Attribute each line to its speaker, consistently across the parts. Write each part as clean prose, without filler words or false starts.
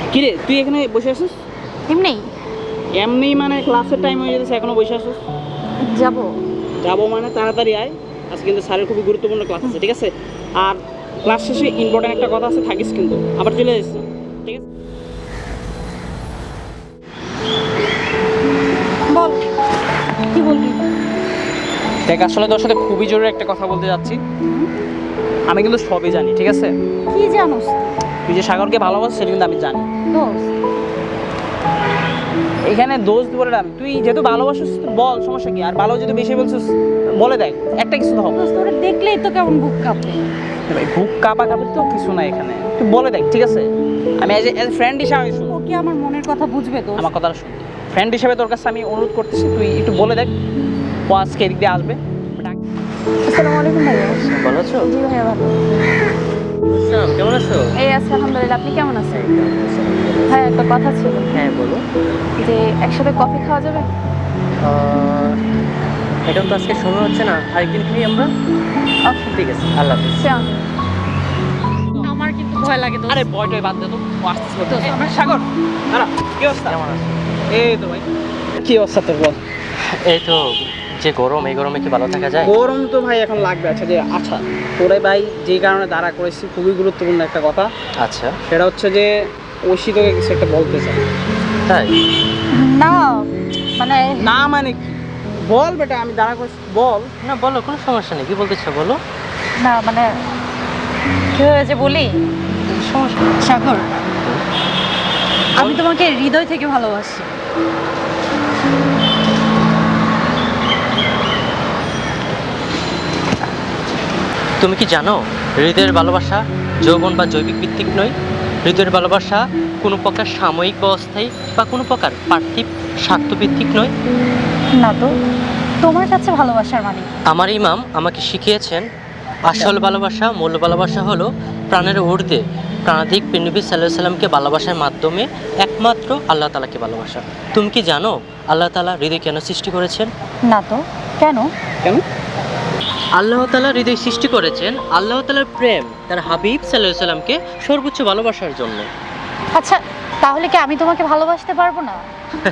Speaker 1: কিরে তুই এখানে বসে আছিস?
Speaker 2: এমনি
Speaker 1: এমনি মানে ক্লাসের টাইম হয়ে যেতেছে এখনো বসে আছিস?
Speaker 2: যাব।
Speaker 1: যাবো মানে তাড়াতাড়ি আয়, আজকে কিন্তু স্যারের খুবই গুরুত্বপূর্ণ ক্লাস আছে, ঠিক আছে? আর ক্লাস শেষে ইম্পর্টেন্ট একটা কথা আছে, থাকিস কিন্তু, আবার চলে যাচ্ছিস, ঠিক আছে?
Speaker 2: বল, কি বলবি?
Speaker 1: দেখ আসলে তোর সাথে খুবই জরুরি একটা কথা বলতে যাচ্ছি। আমি কিন্তু সবই জানি, ঠিক আছে?
Speaker 2: কি জানোস?
Speaker 1: তুই যে সাগরকে ভালোবাসিস সেটা কিন্তু আমি জানি।
Speaker 2: দোস্ত,
Speaker 1: এখানে দোষ বলে না, তুই যেহেতু ভালোবাসিস তো বল, সমস্যা কি? আর ভালো যদি বেশি বলছিস বলে দেখ, একটা কিছু তো হবে।
Speaker 2: দোস্ত ওরা দেখলেই তো কেমন বুক কাঁপে।
Speaker 1: ভাই বুক কাঁপা কাঁপি তো কিছু না এখানে, তুই বলে দেখ, ঠিক আছে? আমি এজ এ ফ্রেন্ড হিসাবে আমি শুনবো।
Speaker 2: ও কি আমার মনের কথা বুঝবে দোস্ত?
Speaker 1: আমার কথাটা শুন, ফ্রেন্ড হিসাবে তোর কাছে আমি অনুরোধ করতেছি, তুই একটু বলে দেখ। ও আজকে এদিক দিয়ে আসবে।
Speaker 2: আসসালামু আলাইকুম ভাইয়া।
Speaker 1: ভালো আছো?
Speaker 2: জি ভাইয়া ভালো।
Speaker 1: কেমন আছো?
Speaker 2: এই আছে আলহামদুলিল্লাহ, আপনি কেমন আছেন? হ্যাঁ, একটা কথা ছিল।
Speaker 1: হ্যাঁ বলো।
Speaker 2: যে একসাথে কফি খাওয়া যাবে?
Speaker 1: এখন তো আজকে সময় হচ্ছে না, আরেকদিন খাই আমরা।
Speaker 2: ওকে
Speaker 1: ঠিক আছে, আল্লাহ হাফিজ।
Speaker 2: চল। আমার কিন্তু ভয় লাগে দোস্ত।
Speaker 1: আরে বয়টয় বাদ দে তো, ও আসতেছে।
Speaker 2: দোস্ত, আমার
Speaker 1: সাগর, দাঁড়া, কি অবস্থা? কেমন আছো? এই তো ভাই, কি অবস্থা তোর বল?
Speaker 3: এই তো যে গরম, এই গরমে কি ভালো থাকা যায়?
Speaker 1: গরম তো ভাই এখন লাগবে। আচ্ছা তোরে ভাই যে কারণে দাঁড়া করেছি, খুবই গুরুত্বপূর্ণ একটা কথা।
Speaker 3: আচ্ছা,
Speaker 1: সেটা হচ্ছে যে ঐশী তোকে কিছু একটা বলতে চাই।
Speaker 3: তাই?
Speaker 2: না মানে
Speaker 1: না মানে কি? বল বেটা, আমি দাঁড়া করেছি, বল।
Speaker 3: না বলো, কোনো সমস্যা নেই, কি বলতে চাও বলো।
Speaker 2: না মানে কি হয়েছে বলি?
Speaker 3: সমস্যা
Speaker 2: সাগর, আমি তোমাকে হৃদয় থেকে ভালোবাসি।
Speaker 3: তুমি কি জানো, হৃদয়ের ভালোবাসা যৌবন বা জৈবিক ভিত্তিক নয়। হৃদয়ের ভালোবাসা কোনো প্রকার সাময়িক বা অস্থায়ী বা কোনো প্রকার পার্থিব স্বার্থভিত্তিক নয়।
Speaker 2: না তো, তোমার কাছে ভালোবাসার মানে কি?
Speaker 3: আমার ইমাম আমাকে শিখিয়েছেন, আসল ভালোবাসা, মূল ভালোবাসা হলো প্রাণের ঊর্ধ্বে প্রাণাধিক নবী সাল্লাল্লাহু আলাইহি সাল্লামকে ভালোবাসার মাধ্যমে একমাত্র আল্লাহ তাআলাকে ভালোবাসা। তুমি কি জানো আল্লাহ তাআলা হৃদয় কেন সৃষ্টি করেছেন?
Speaker 2: না তো, কেন?
Speaker 1: কেন?
Speaker 3: আল্লাহ তাআলা হৃদয় সৃষ্টি করেছেন আল্লাহ তাআলার প্রেম তার হাবিব সাল্লাল্লাহু আলাইহি সাল্লামকে সর্বোচ্চ ভালোবাসার জন্য।
Speaker 2: আচ্ছা, তাহলে কি আমি তোমাকে ভালোবাসতে পারবো না?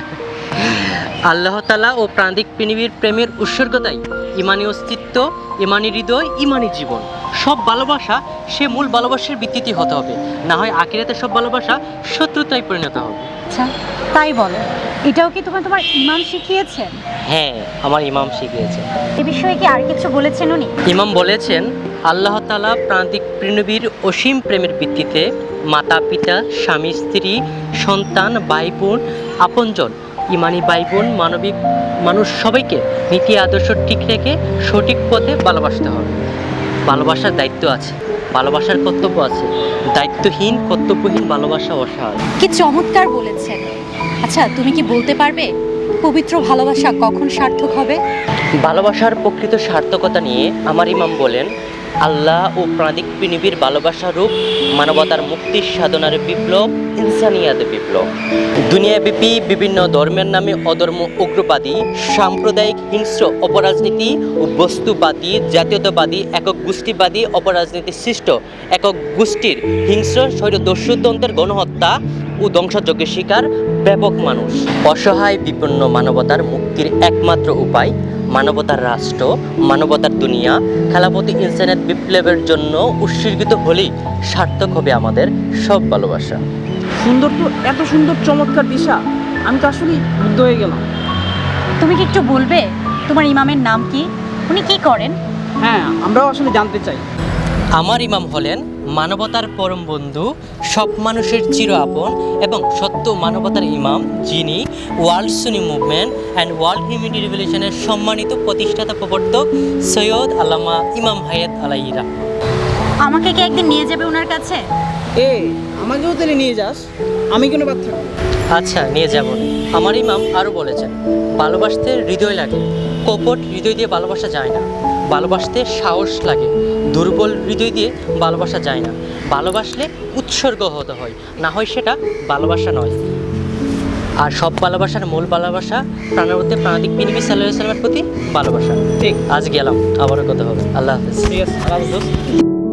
Speaker 3: আল্লাহ তাআলা ও প্রাণিক পৃথিবীর প্রেমের উৎসর্গতাই ইমানি অস্তিত্ব, ইমানি হৃদয়, ইমানি জীবন। সব ভালোবাসা সে মূল ভালোবাসার ভিত্তিতে হতে হবে, না হয় আখিরাতে সব ভালোবাসা শত্রুতায় পরিণত হবে।
Speaker 2: আচ্ছা, তাই বলো। এটাও কি তোমার ইমাম শিখিয়েছেন?
Speaker 3: হ্যাঁ, আমার ইমাম শিখিয়েছে।
Speaker 2: এ বিষয়ে কি আর কিছু বলেছেন উনি?
Speaker 3: ইমাম বলেছেন, আল্লাহ তাআলা প্রাণিক পৃথিবীর অসীম প্রেমের ভিত্তিতে মাতা পিতা, স্বামী স্ত্রী, সন্তান, ভাই বোন, আপনজন, ইমানি ভাই বোন, মানবিক মানুষ সবাইকে নীতি আদর্শ ঠিক রেখে সঠিক পথে ভালোবাসতে হবে। ভালোবাসার দায়িত্ব আছে, ভালোবাসার কর্তব্য আছে। দায়িত্বহীন, কর্তব্যহীন ভালোবাসা অসহায়।
Speaker 2: কি চমৎকার বলেছেন। আচ্ছা, তুমি কি বলতে পারবে পবিত্র ভালোবাসা কখন সার্থক হবে?
Speaker 3: ভালোবাসার প্রকৃত সার্থকতা নিয়ে আমার ইমাম বলেন, আল্লাহ ও প্রাণিক পৃথিবীর ভালোবাসা রূপ মানবতার মুক্তির সাধনার বিপ্লব, ইনসানিয়াতের বিপ্লব। দুনিয়াব্যাপী বিভিন্ন ধর্মের নামে অধর্ম, উগ্রবাদী, সাম্প্রদায়িক হিংস্র অপরাজনীতি ও বস্তুবাদী, জাতীয়তাবাদী, একক গোষ্ঠীবাদী অপরাজনীতি সৃষ্ট একক গোষ্ঠীর হিংস্র স্বৈরদস্যুতন্ত্রের গণহত্যা ও ধ্বংসযজ্ঞের শিকার ব্যাপক মানুষ। অসহায় বিপন্ন মানবতার মুক্তির একমাত্র উপায় মানবতার রাষ্ট্র, মানবতার দুনিয়া, খেলাফতি ইনসানিয়ত বিপ্লবের জন্য উৎসর্গিত হলেই সার্থক হবে আমাদের সব ভালোবাসা।
Speaker 1: সুন্দর তো, এত সুন্দর চমৎকার দিশা, আমি তো আসলে মুগ্ধ হয়ে গেলাম।
Speaker 2: তুমি কি একটু বলবে তোমার ইমামের নাম কি? উনি কি করেন?
Speaker 1: হ্যাঁ, আমরাও আসলে জানতে চাই।
Speaker 3: আমার ইমাম হলেন মানবতার পরম বন্ধু, সব মানুষের চির আপন এবং সত্য মানবতার ইমাম, যিনি world Sunni movement and world humanity রিভলিউশনের সম্মানিত প্রতিষ্ঠাতা প্রবর্তক সৈয়দ আল্লামা ইমাম হায়াত আলাইহি রাহমাহ।
Speaker 2: আমাকে কি একদিন নিয়ে যাবে ওনার কাছে?
Speaker 1: এ আমাকেও তাহলে নিয়ে যাস, আমি কেন বাদ থাকবো?
Speaker 3: আচ্ছা, নিয়ে যাব। আমার ইমাম আরও বলেছেন, ভালোবাসতে হৃদয় লাগে, কপট হৃদয় দিয়ে ভালোবাসা যায় না। ভালোবাসতে সাহস লাগে, দুর্বল হৃদয় দিয়ে ভালোবাসা যায় না। ভালোবাসলে উৎসর্গ হতে হয়, না হয় সেটা ভালোবাসা নয়। আর সব ভালোবাসার মূল ভালোবাসা প্রাণের মধ্যে প্রাণাধিক নবী সাল্লাল্লাহু আলাইহি ওয়াসাল্লামের প্রতি ভালোবাসা।
Speaker 1: ঠিক,
Speaker 3: আজ গেলাম, আবারও কথা হবে। আল্লাহ হাফেজ।
Speaker 1: ঠিক আছে, আল্লাহ হাফেজ দোস্ত।